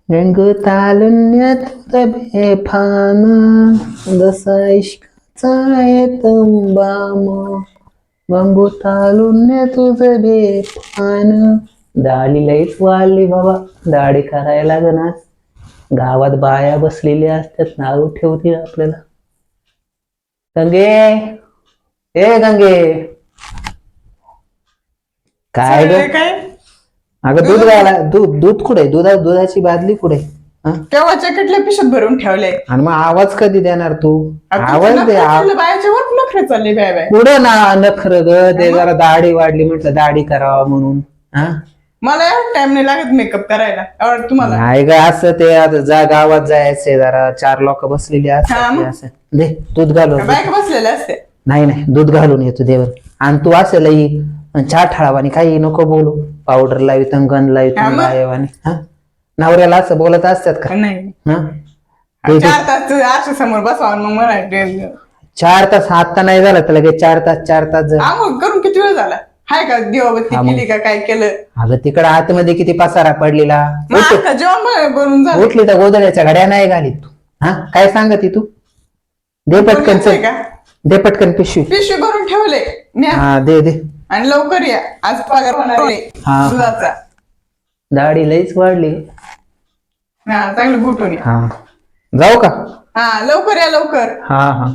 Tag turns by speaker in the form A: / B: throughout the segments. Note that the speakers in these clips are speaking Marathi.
A: रंग तालुन्यात बेफान जसा इश्काचा येतंबाम रंगू तालुन्या तुझं बेफान. दाढी लईच वाढली बाबा, दाढी करायला लागणार. गावात बाया बसलेल्या असतात, नाव ठेवतील आपल्याला. गंगे, ए गंगे, काय ग?
B: काय
A: अगं दूध घाला. दूध कुठे? दुधाची बादली कुठे?
B: केव्हाच्या कटल्या पिशत भरून ठेवले.
A: आणि मग आवाज कधी देणार तू? आवाज दे.
B: बायाच्या वर नखरे चालले बाय बाय.
A: पुढे ना नखर ग, ते जरा दाढी वाढली म्हटलं दाढी करावा म्हणून.
B: मला टाइम नाही लागत मेकअप करायला. आवडत तुम्हाला?
A: नाही ग, असं ते आता जा गावात जायचंय, जरा 4 लोक बसलेली असतात असं. दे दूध घालून.
B: बायका बसलेल्या असते.
A: नाही दूध घालून येतो देवर. आणि तू असेल चहा ठळावानी काही नको बोलू. पावडर लावित गंध लावित आणि नवऱ्याला असं बोलत असतात का?
B: नाही.
A: 4
B: 4 तास आरशा समोर बसवा मग मला
A: 4 तास आता नाही झालं तर लगेच 4 तास
B: आंघोळ करून किती वेळ झाला? हाय का दिवाबत्ती केली का काय केलं?
A: अगं तिकडं आतमध्ये किती पसारा पडलेला.
B: जेवण बनवून झालं.
A: उठली तर गोदड्याच्या घड्या नाही घालीत तू. काय सांगत तू? दे पटकन दे पटकन पिशवी
B: भरून ठेवले.
A: दे
B: आणि लवकर या, आज पगार होणार आहे दुधाचा.
A: दाढी लईच वाढली.
B: चांगलं गुटून या.
A: जाऊ का?
B: लवकर या लवकर.
A: हा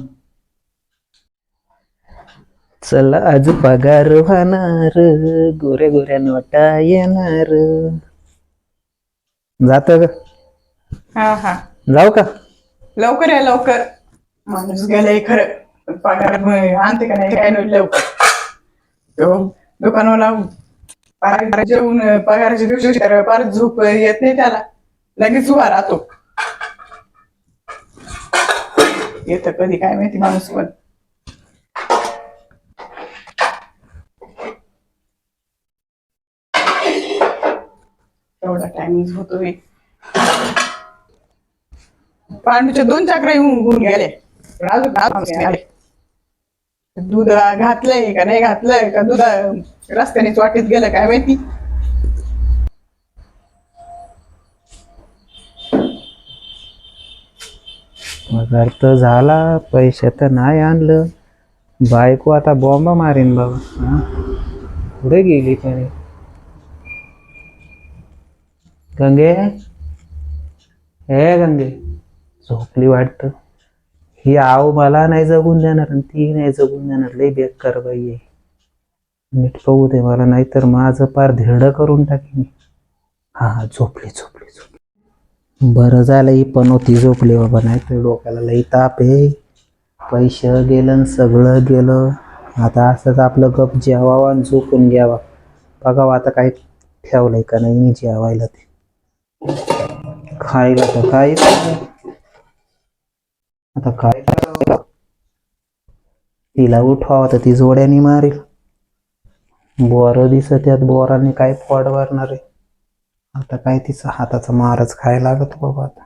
A: चल आज पगार होणार, गोऱ्या गोऱ्या नोटा येणार. जात ग? जाऊ का?
B: लवकर या लवकर. माणूस गेलाय खरं, पगार आणते का नाही काय नाही लवकर. दुकानाला जेवून पगाराच्या दिवशी परत झोप येत नाही त्याला, लगेच उभा राहतो. येत कधी काय माहिती माणूस पण. एवढा टाइमिंग होतोय. पांडूच्या 2 चक्रा येऊन गेले, पण अजून आले. दूध घातलंय का नाही घातलंय का, दूध रस्त्यानेच वाटेत गेलं काय माहिती.
A: पगार तर झाला, पैसे तर नाही आणलं. बायको आता बॉम्ब मारीन बाबा. पुढे गेली पण. गंगे, हे गंगे, झोपली वाटत. ही आव मला नाही जगून देणार आणि ती नाही जगून देणार. लई बेकार बाई आहे. नीट पाहू दे मला, नाहीतर माझं पार धिरड करून टाकीन. झोपली. बरं झालं ही पण होती झोपली बाबा, नाहीतर डोक्याला लई ताप आहे. पैसे गेलं, सगळं गेलं. आता असंच आपलं गप जेवावा आणि झोपून घ्यावा. बघावं आता काय ठेवलंय का नाही मी जेवायला. ते खायला तर काय आता काय करावं? तिला उठवावं तर ती जोड्याने मारेल. बोर दिसत त्यात, बोराने काय फोड मारणार आहे. आता काय तिचा हाताचा मारच खायला लागत बाबा. आता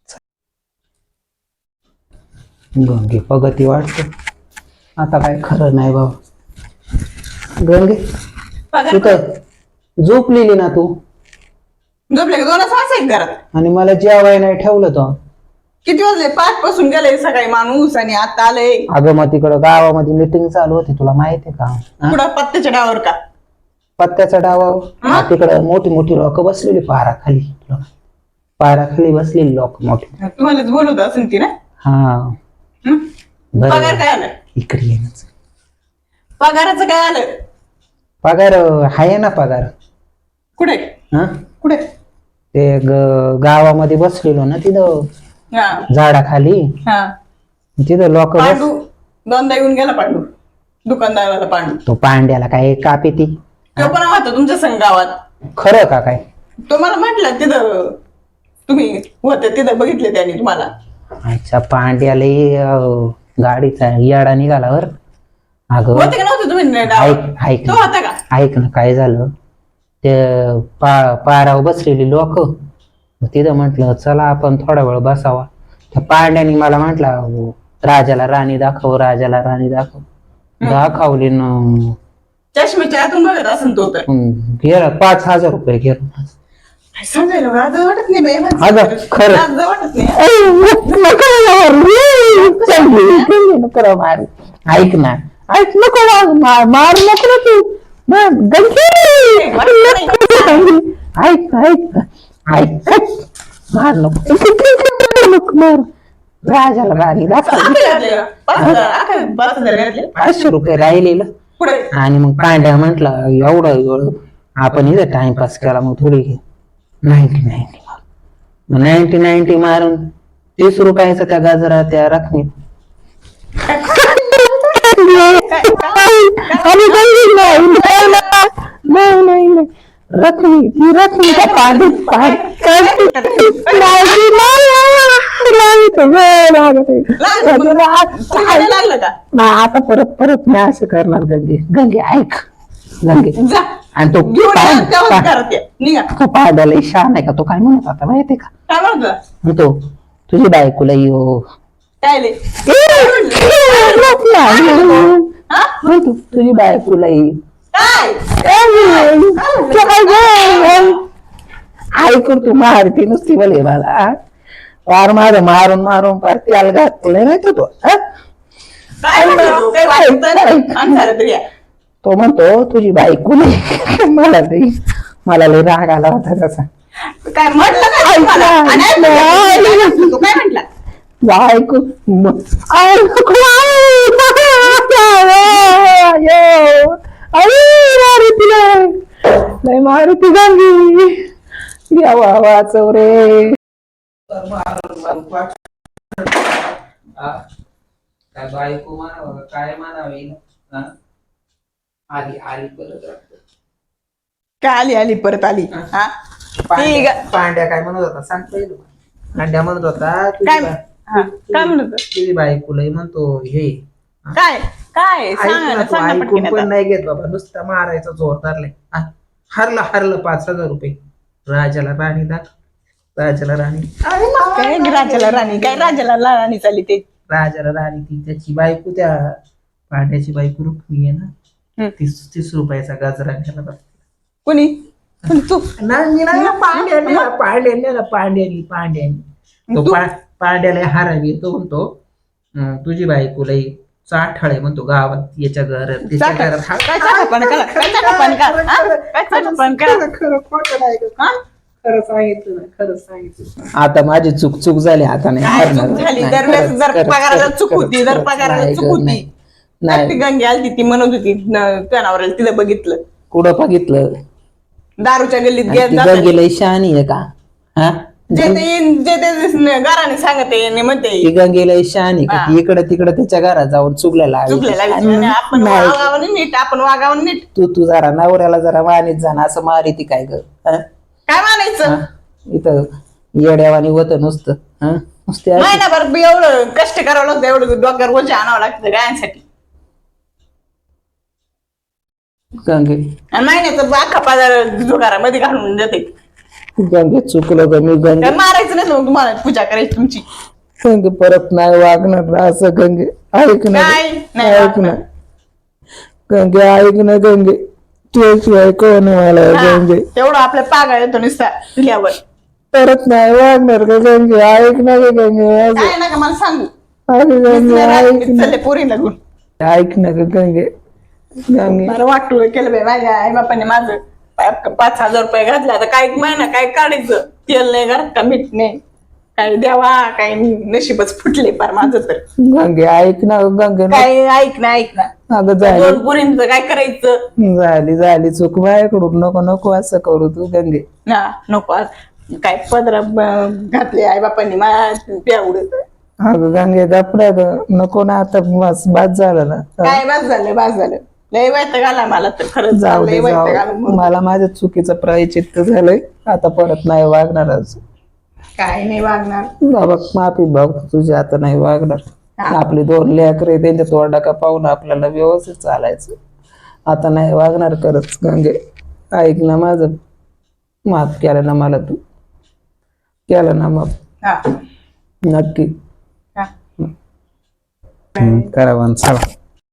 A: गंगे प्रगती वाटते. आता काय खरं नाही बाबा. गंगे तिथं झोपलेली ना तू?
B: झोपले का? 2 वाजता घरात.
A: आणि मला जेवाय नाही ठेवलं तर.
B: किती वाजले? 5 पासून गेले सकाळी माणूस आणि आता आले.
A: अगं मग तिकडं गावामध्ये मीटिंग चालू होती, तुला माहितीये का?
B: कुठं पत्त्याच्या डावावर का?
A: पत्त्याच्या डावावर तिकडं मोठी लोक बसलेली पाराखाली. पाराखाली बसलेली लोक मोठी.
B: तुम्हालाच बोलवत असेल ती ना? पगार काय आलं?
A: इकडे ये.
B: पगाराचं काय आलं?
A: पगार आहे ना पगार.
B: कुठे? कुठे?
A: ते गावामध्ये बसलेलो ना तिथं झाडाखाली. तिथं लोक
B: 2दा येऊन गेला पांडू, दुकानदाराला पांडू.
A: तो पांड्याला काय कापी ती?
B: तो पण होता तुमच्या संघ गावात.
A: खरं का काय?
B: तो मला म्हटलं तिथं तुम्ही होते, तिथं बघितले त्याने तुम्हाला.
A: अच्छा, पांड्याला गाडीचा याडा निघाला वर. अगं
B: होते का नव्हते तुम्ही? तो होता का?
A: ऐक ना, काय झालं ते पारावर बसलेली लोक तिथं म्हटलं चला आपण थोडा वेळ बसावा. त्या पांड्याने मला म्हटलं राजाला राणी दाखव. दाखवली न
B: चष्म्याच्या आतून बघत असेल तो तर.
A: गेला 5,000 रुपये गेला.
B: सांगायला लाज वाटत नाही बाई माझं.
A: अगं, खरं.
B: लाज वाटत नाही.
C: नको मार. ऐक ना, ऐक नको मार नको ना तू. ऐक ऐक ऐक मार नको मार. राजाला राणी दाखव.
B: घातले 5,000 घातले.
C: 500 रुपये राहिलेलं.
B: पुढे
C: आणि मग पांड्या म्हंटला एवढं आपण इथं टाइमपास केला, मग थोडी 90 मारून 30 रुपयाचा त्या गाजरा त्या रकमेत. नाही रकमी ती रकमी त्या पांडीत
B: लागलं का
C: आता परत मी असं करणार. गंगे ऐक गंगे.
B: जा
C: आणि तो
B: घेऊन तेव्हाच घरात ये. निघा.
C: तो पांड्याला शान आहे का, तो काय म्हणत होता माहितीये का,
B: काय म्हणतो
C: म्हणतो तुझी बायकोला येऊ.
B: काय ले हा?
C: म्हणतो तुझी बायकोला येऊ.
B: काय
C: ऐकून तू मारती नुसती बोले मला. पार माझं मारून मारून पार त्याला घातलंय नाही का तो.
B: काय म्हणतो? काय वाटतं? आणि झालं तरी या.
C: तो म्हणतो तुझी बायको नाही. मला लय राग आला होता त्याचा.
B: काय म्हटलं काय तुम्हाला? आणि ऐकलं तू काय म्हटला
C: बायको मारुती झाली. देवा वाचव रे.
A: काय बायको म्हणावं काय म्हणावे. आली आली परत.
B: काय आली परत आली हा
A: पांड्या काय म्हणत होता सांग पहिलं. पांड्या म्हणत होता
B: काय हा, काय म्हणत
A: तुझी बायकोला म्हणतो हे
B: काय काय सांग ना, सांग ना
A: ऐकून
B: पटकन
A: पण
B: आता.
A: नाही घेत बाबा, नुसता मारायचा जोर धरलाय. हरलं 5,000 रुपये. राजाला राणी राजाला राणी
B: काय राजाला राणी, काय राजाला राणी चालली ते.
A: राजाला राणी ती त्याची बायको, त्या पांड्याची बायको रुक्मिणी आहे ना, 30 रुपयाचा गजरा घ्यायला.
B: कोणी तू
A: पांड्यानी तो पांड्याला हारावी. तो म्हणतो तुझी बायकोला चाठाळ आहे म्हणतो गावात, याच्या घरात त्याच्या घरात.
B: काय चाटापण करा, काय चाटापण करा, हा? काय चाटापण करा.
A: खरं खोटं नाही गं.
B: हा?
A: खरं सांगितलं ना, खरं सांगितलं.
C: आता माझी चूक झाली. आता नाही
B: काय
C: हारणार.
B: चूक झाली?
C: नाही,
B: दरवेळेस
C: खरंच,
B: जर
C: खरंच,
B: पगाराला
C: खरंच,
B: चूक होती, जर
C: खरंच,
B: पगाराला
C: नाही
B: चूक
C: गं,
B: होती.
C: नाही.
B: ती गंगी आली ती म्हणत होती जनावर तिला बघितलं
C: कुठं बघितलं.
B: दारूच्या गल्लीत
C: आणि ती
B: जाताना.
C: गंगेला शहाणी आहे का. हा
B: जे ते घराने सांगते म्हणते
C: ती गंगेला शहाणी का, ती इकडं तिकडं त्याच्या घरात जाऊन चुकलेला आहे.
B: चुकलेला विचार. आपण
C: नाही.
B: वागावं नीट, आपण वागावं नीट.
C: तू जरा नवऱ्याला जरा मानीत जाणं असं मारी ती काय ग.
B: काय म्हणायचं
C: इथं येड्यावानी होतं नुसतं. नुसते अशी-
B: महिनाभर बी एवढं कष्ट करावं लागतं, एवढं डोक्यावर ओझे आणावं लागतं गायांसाठी.
C: गंगे
B: आणि महिन्याचं अख्खा बाजार जुगारामध्ये घालून देते.
C: गंगे चुकलं ग मी. गंगे
B: काय मारायचं नाही मग तुम्हाला पूजा करायची तुमची.
C: गंगे परत नाही वागणार असं. गंगे ऐक ना,
B: काय नाही
C: ऐक
B: वागणार.
C: ना गंगे, ऐक ना गंगे. तुझ्याशिवाय कोण आहे मला गंगे.
B: तेवढं आपल्या पागा येतो नुसता दिल्यावर.
C: परत नाही वागणार ग गंगे. ऐक ना ग गंगे.
B: काय नका मला सांगू.
C: अगं गंगे ऐक ना.
B: चालले पोरी लागून.
C: ऐक ना ग गंगे. गंगे
B: मला वाटलं केलं बाई माझ्या आई बापाने माझं 5,000 रुपये घातला. आता काय महिना काय काढायचं. तेल नाही घरात का मीठ नाही. काय द्यावा काय नशीबच फुटले पार माझं तर.
C: गंगे ऐक ना ग गंगे.
B: काय ऐक ना
C: अगं झाली
B: दोन पोरींचं काय करायचं.
C: झाली चूक माझ्याकडून. नको नको असं करू तू गंगे.
B: ना नको आज. काय पदर घातले आई बापांनी माझ्या प्यावड.
C: अगं गंगे गपड्या ग. नको ना आता. बाद झालं ना.
B: काय बास झालं लय वैताग आला मला तर खरंच.
C: जाऊ
B: लय
C: दे
B: वैताग आला
C: जाऊ.
B: म्हणून.
C: मला माझ्या चुकीचं प्रायचित्त झालंय. आता परत नाही वागणार. आज
B: काय नाही वागणार.
C: बाबा माफी बघ तुझी. आता नाही वागणार. आपली 2 लेकरे त्यांच्या तोंडा का पाहून आपल्याला व्यवस्थित चालायचं. आता नाही वागणार खरंच गंगे. ऐक ना माझं. माफ केलं ना मला तू. केलं ना माफ.
B: हा
C: नक्की
B: हा
A: करा चला.